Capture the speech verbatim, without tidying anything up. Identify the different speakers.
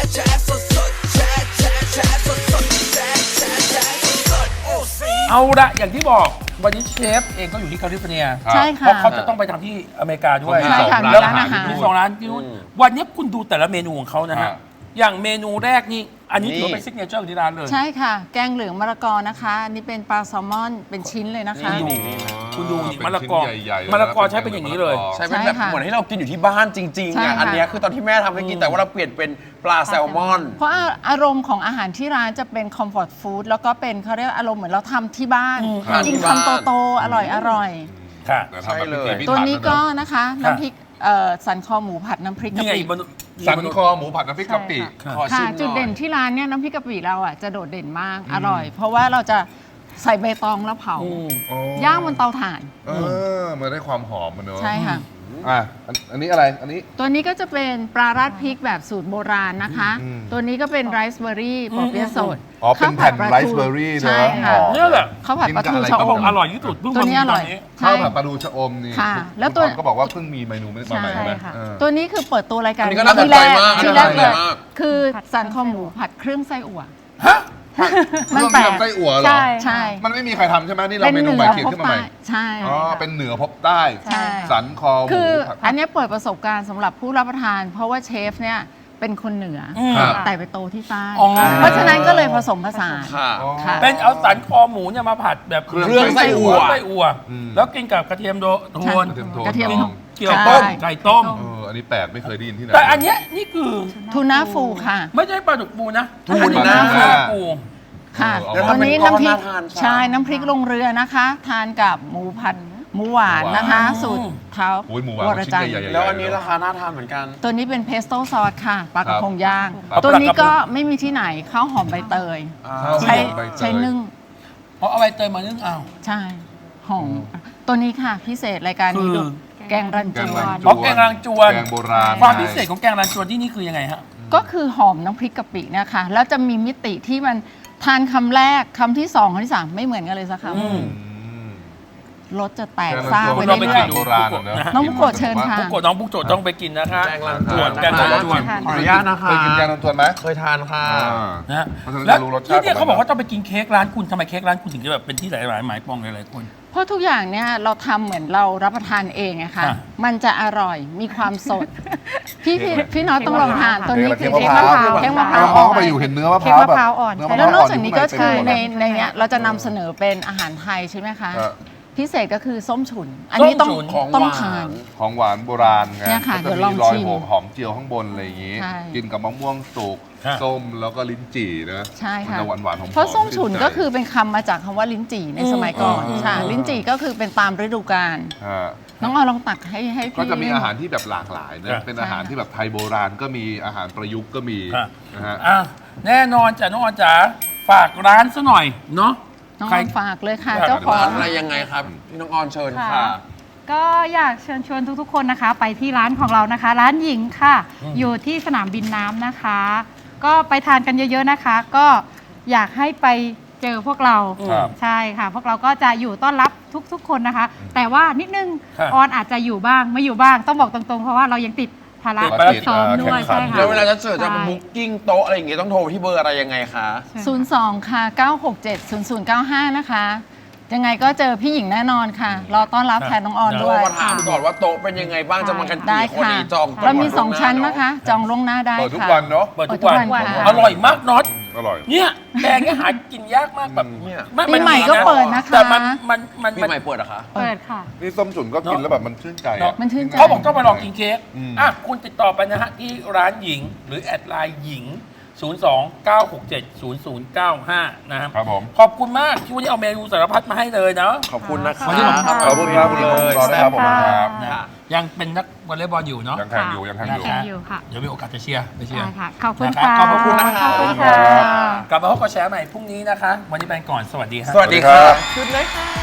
Speaker 1: เอาละอย่างที่บอกวันนี้เชฟเองก็อยู่ที่แคลิฟอร์เนีย
Speaker 2: ใช่ค่ะ
Speaker 1: เพราะเขาจะต้องไปทำที่อเมริกาด้วย
Speaker 2: ใช่ค่ะมี
Speaker 1: แล้ว
Speaker 2: ร้านอาหาร
Speaker 1: มีสองร้านที่นู่นวันนี้คุณดูแต่ละเมนูของเขานะฮะอย่างเมนูแรกนี่อันนี้ถือว่าเป็นซิกเนเจอร์ของที่ร้านเลย
Speaker 2: ใช่ค่ะแกงเหลืองมะละกอนะคะอันนี่เป็นปลาแซลมอนเป็นชิ้นเลยนะคะ
Speaker 1: คุณดูนี่มะละกอมะละกอใช้เป็นอย่างนี้เลย
Speaker 3: ใช่เป็นแบบเหมือนที่เรากินอยู่ที่บ้านจริงๆอ่ะอันนี้คือตอนที่แม่ทำให้กินแต่ว่าเราเปลี่ยนเป็นปลาแซลมอน
Speaker 2: เพราะอารมณ์ของอาหารที่ร้านจะเป็นคอมฟอร์ตฟู้ดแล้วก็เป็นเขาเรียกอารมณ์เหมือนเราทำที่บ้านกินคำโตๆอร่อยอร่อย
Speaker 1: ค่ะ
Speaker 3: ใช่เลย
Speaker 2: ตัวนี้ก็นะคะน้ำพริกสันคอหมูผัดน้ำพริกกะปิ
Speaker 4: สันคอหมูผัดน้ำพริกกะปิ
Speaker 2: ค่ะจุดเด่นที่ร้านเนี่ยน้ำพริกกะปิเราอ่ะจะโดดเด่นมากอร่อย เพราะว่าเราจะใส่ใบตองแล้วเผาย่างบนเตาถ่าน
Speaker 4: เออมันได้ความหอมมันเนอะ
Speaker 2: ใช่ค่ะ
Speaker 4: อ่ะอันนี้อะไรอันนี้
Speaker 2: ตัวนี้ก็จะเป็นปลาราดพริกแบบสูตรโบราณนะคะตัวนี้ก็เป็นไรซ์เบอร์รี่ปอเปี๊ยะสด
Speaker 4: อ๋อเป็นแผ่นไรซ์เบอร์รี่เนอะ
Speaker 1: นี่แหละ
Speaker 2: ข้าวผัดปลาทูชะอม
Speaker 1: อร่อยที่สุด
Speaker 2: ตัวนี้อร่อย
Speaker 4: ข้าวผัดปลาทูชะอมนี่
Speaker 2: ค่ะแล้วตัว
Speaker 4: ก็บอกว่าเพิ่งมีเมนูไม่มาใหม่ใช่ไหม
Speaker 2: ตัวนี้คือเปิดตัวรายการ
Speaker 3: นี้ก็น่าสนใจมาก
Speaker 2: ที่แรกเลยคือสันคอหมูผัดเครื่องไส้อั่ว
Speaker 4: ฮะมันแปลกไส้อั่วเหรอ
Speaker 2: ใช่
Speaker 4: มันไม่มีใครทำใช่ไหมนี่เราเมนูใหม่เขียนขึ้นมาใหม่
Speaker 2: ใช่
Speaker 4: อ๋อเป็นเหนือพบใต้สันคอหมู
Speaker 2: คืออันนี้เปิดประสบการณ์สำหรับผู้รับประทาน เพราะว่าเชฟเนี่ยเป็นคนเหนือแต่ไปโตที่ใต้เพราะฉะนั้นก็เลยผสมผสาน
Speaker 1: เป็นเอาสันคอหมูเนี่ยมาผัดแบบ
Speaker 3: เครื่องไส้อั่ว
Speaker 1: ไส้อั่วแล้วกินกับกระเทียมโทน
Speaker 2: กระเทียม
Speaker 1: เกี่ยวต้มไก่ต้ม
Speaker 4: เอออันนี้แปลกไม่เคยได้ยินที่ไหน
Speaker 1: แต่อันเนี้ยนี่คือ
Speaker 2: ทูน่าฟูค่ะ
Speaker 1: ไม่ใช่ปลาดุกฟูนะ
Speaker 3: ทูน่า
Speaker 1: ฟู
Speaker 2: ค่ะตัวนี้น้ำพริกใช่น้ำพริกลงเรือนะคะทานกับหมูผัดหมูหวานนะคะสูตรเท้าวรจันทร์
Speaker 3: แล้วอันนี้ราคาน่าทานเหมือนกัน
Speaker 2: ตัวนี้เป็นเพสโต้ซอสค่ะปลากระพงย่างตัวนี้ก็ไม่มีที่ไหนข้าวหอมใบเตยใช้ใช้นึ่ง
Speaker 1: เพราะเอาใบเตยมานึ่งเอา
Speaker 2: ใช่หอมตัวนี้ค่ะพิเศษรายการนี้ดูแกงรันจวน
Speaker 1: เพราะแกงรันจวน
Speaker 4: แกงโบราณ
Speaker 1: ความพิเศษของแกงรันจวนที่นี่คือยังไงฮะ
Speaker 2: ก็คือหอมน้ำพริกกะปินะคะแล้วจะมีมิติที่มันทานคำแรกคำที่สองคำที่สามไม่เหมือนกันเลยสักคำรสจะแตกซ่าไปเรื่อยๆน้องบุกโกะเชิญค่ะ
Speaker 1: บุกโกะน้องบุกโกะต้องไปกินนะคะ
Speaker 3: แกงรันจวน
Speaker 1: แกงรันจวน
Speaker 3: ขออนุญาตนะคะ
Speaker 4: เคยกินแกงรันจวนไหม
Speaker 3: เคยทานค่ะ
Speaker 1: นะแล้วที่นี่เขาบอกว่าต้องไปกินเค้กร้านคุณทำไมเค้กร้านคุณถึงจะแบบเป็นที่หลายๆหมายปองหลายๆคน
Speaker 2: เพราะทุกอย่างเนี่ยเราทำเหมือนเรารับประทานเองอะค่ะมันจะอร่อยมีความสดพี่พี่พี่น้องต้องลองทานตัวนี้คือเค้กมะพร้าวเค้กมะพร้าว
Speaker 4: อ่อนไปอยู่เห็นเนื้อมะพร้าวแบบ
Speaker 2: แล้วนอกจากนี้ก็คือในในเนี้ยเราจะนำเสนอเป็นอาหารไทยใช่ไหมคะพิเศษก็คือส้มฉุนอันนี้ต้องต้องทาน
Speaker 4: ของหวานโบราณไง
Speaker 2: เนี่ยค่ะเดี๋ยวลองชิม
Speaker 4: หอมเจียวข้างบนอะไรอย่างงี้กินกับมะม่วงสุกส้มแล้วก็ลิ้นจี่นะ
Speaker 2: ใช่ค่ะ
Speaker 4: มันจะหวานหวานหอม
Speaker 2: เพราะส้มฉุนก็คือเป็นคำมาจากคำว่าลิ้นจี่ในสมัยก่อนใช่ลิ้นจี่ก็คือเป็นตามฤดูกาลน้องเอาลองตักให้ให้พี่
Speaker 4: ก็จะมีอาหารที่แบบหลากหลายนะเป็นอาหารที่แบบไทยโบราณก็มีอาหารประยุกต์ก็มีนะฮะ
Speaker 1: แน่นอนจ้ะน้องออนจ๋าฝากร้านซะหน่อยเนาะ
Speaker 2: น้องออนฝากเลยค่ะเจ้าของ
Speaker 3: อะไรยังไงครับพี่น้องออนเชิญค่ะ
Speaker 5: ก็อยากเชิญชวนทุกๆคนนะคะไปที่ร้านของเรานะคะร้านหญิงค่ะอยู่ที่สนามบินน้ำนะคะก็ไปทานกันเยอะๆนะคะก็อยากให้ไปเจอพวกเราใช่ค่ะพวกเราก็จะอยู่ต้อนรับทุกๆคนนะคะแต่ว่านิดนึงออนอาจจะอยู่บ้างไม่อยู่บ้างต้องบอกตรงๆเพราะว่าเรายังติดภาระซ้อมด้วยใช่ค่ะ
Speaker 3: แล้วเวลาจะเสิร์ฟจะบุ๊กกิ้งโต๊ะอะไรอย่างเงี้ยต้องโทรที่เบอร์อะไรยังไงคะ
Speaker 2: ศูนย์ สอง ค่ะ เก้า หก เจ็ด ศูนย์ ศูนย์ เก้า ห้า นะคะยังไงก็เจอพี่หญิงแน่นอนค่ะรอต้อนรับแทนน้องออนด้วย
Speaker 3: มาถามก่อนว่าโต๊ะเป็นยังไงบ้างจะมากันกี่คนจอง
Speaker 2: เรามีสองชั้นนะคะจองล่วงหน้าได้ค่ะ
Speaker 4: เปิดทุกวันเนาะ
Speaker 1: เปิดทุกวันอร่อยมากน็อต
Speaker 4: อร่อย
Speaker 1: เนี่ยแกงเนี่ยหากินยากมากแบบ
Speaker 2: ปีใหม่ก็เปิดนะคะ
Speaker 1: แต่มันมันมัน
Speaker 3: ปีใหม่เปิดอะคะ
Speaker 5: เปิดค่ะ
Speaker 4: นี่ส้มฉุนก็กินแล้วแบบมันชื่นใจ
Speaker 2: มันชื่นใจ
Speaker 1: เขาบอกต้องมาลองกินเค้กอ่ะคุณติดต่อไปนะฮะที่ร้านหญิงหรือแอดไลน์หญิงศูนย์ สอง เก้า หก เจ็ด ศูนย์ ศูนย์ เก้า ห้า นะครับ
Speaker 4: ครับผม
Speaker 1: ขอบคุณมากที่วันนี้เอาเมนูสารพัดมาให้เลยเนาะ
Speaker 3: ขอบคุณนะครับ
Speaker 4: ขอบคุณครับคุณลุงรอได้ครับผมครับ
Speaker 1: ยังเป็นนักวอลเลย์บอลอยู่เนาะ
Speaker 4: ยังแข่งอยู่ยังแข่ง
Speaker 5: อยู่ค่ะ
Speaker 1: เดี๋ยวมีโอกาสจะเชียร์ไปเชียร์
Speaker 5: ขอบคุณค่ะ
Speaker 1: ขอบคุณนะครับกลับมาพบกับแชร์ใหม่พรุ่งนี้นะคะวันนี้ไปก่อนสวัสดีครับ
Speaker 3: สวัสดีครับชุดเลยค่ะ